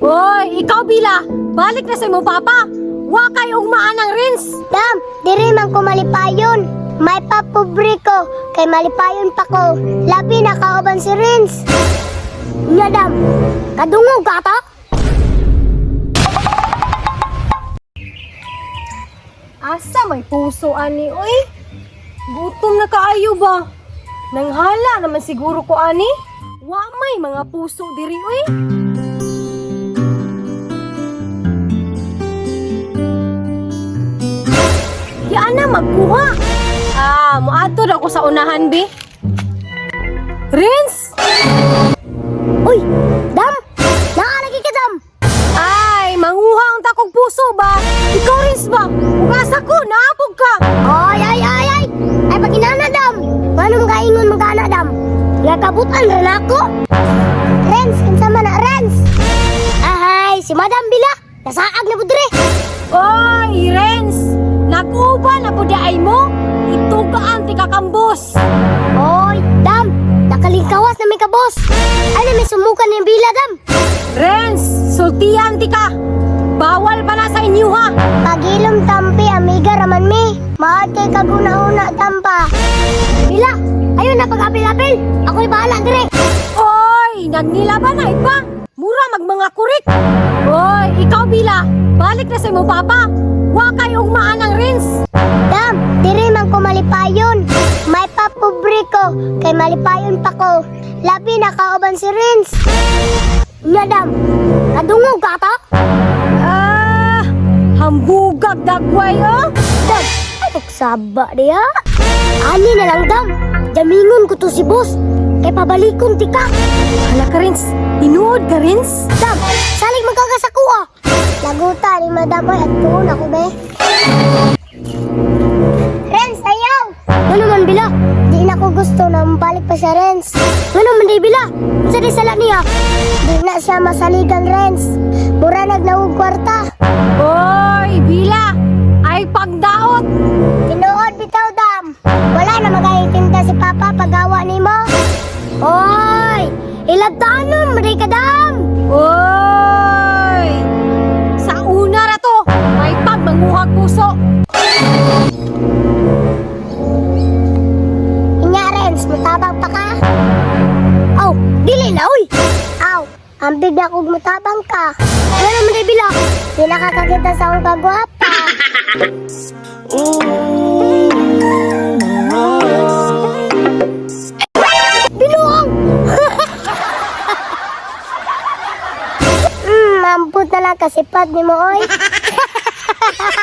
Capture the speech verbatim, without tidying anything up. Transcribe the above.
Hoy, ikaw Bila, balik na sa imong papa. Wa kay ugmaan ang rins. Dam, diri man ko malipayon. May papobre ko, kay malipayon pa ko. Labi na kauban si Rins. Nya dam, kadungog ka ta? Asa may puso ani, oy? Gutom na kaayo ba? Nanghala naman siguro ko ani. Wa may mga puso diri, oy. Yan na magkuha. Ah, muadto ako sa unahan, bi. Rins! Uy, dam, nakalagi ka dam. Ay, manguha ang takong puso ba? Ikaw, Rins ba? Ugasa ko, naapog ka. Ay, ay, ay, ay. Ay, pag inana dam. Manong kaingon magana dam. Nakabutan rin ako. Rens, kinsa man na Rens. Ahay, si Madam Bila. Nasaag na budre. Oy, Rens! Nakuba na po di ay mo? Itugaan ti kakambos. Oy, dam. Nakalingkawas na may kabos. Ay, na may sumukan ng Bila dam. Rens, sultihan ti ka. Bawal pa na sa inyo ha. Pagilom tampi, amiga raman mi. Maad kay kaguna-una tampa. Bila, ayun na pag-apil-apil. Ako'y bahala dire. Oy, nagnilaban na iba. Mura magmanga kurik. Oy, ikaw Bila, balik na sa imong papa. Wa kay ugmaan ang Rins. Dam, diri man ko malipayon. May papobre ko, kay malipayon pa ko. Labi na kauban si Rins. Nya dam, kadungog ka ta? Ah, hambugag dagway oh. Dam, ay nagsaba diya. Ani na lang dam, jamingon ko to si boss. Kay pabalikon ti ka. Hala ka Rins, tinuod ka Rins. Dam, salig magkagasaku ah. Laguta ni Madam Boy at tuon ako be. Rens, ayaw! Ano man Bila? Di na ko gusto na mabalik pa siya Rens. Ano man di Bila? Sa di sala niya? Di na siya masaligan Rens. Mura nagnawag kwarta. Oy, Bila, ay pagdaot. Tinuod bitaw dam. Wala na magahitinda si Papa pagawa ni mo. Oy! Ilagtanon, maday ka dam! Oy! Sa una na to, may pagmanguhag puso. Inya Rens, mutabang pa ka? Aw, dili na uy! Aw, ang bigla kong mutabang ka. Ano naman di Bila? Di nakakakita sa akong kagwapa. Binuong! Hmm, mamput na lang kasipad ni mo oy.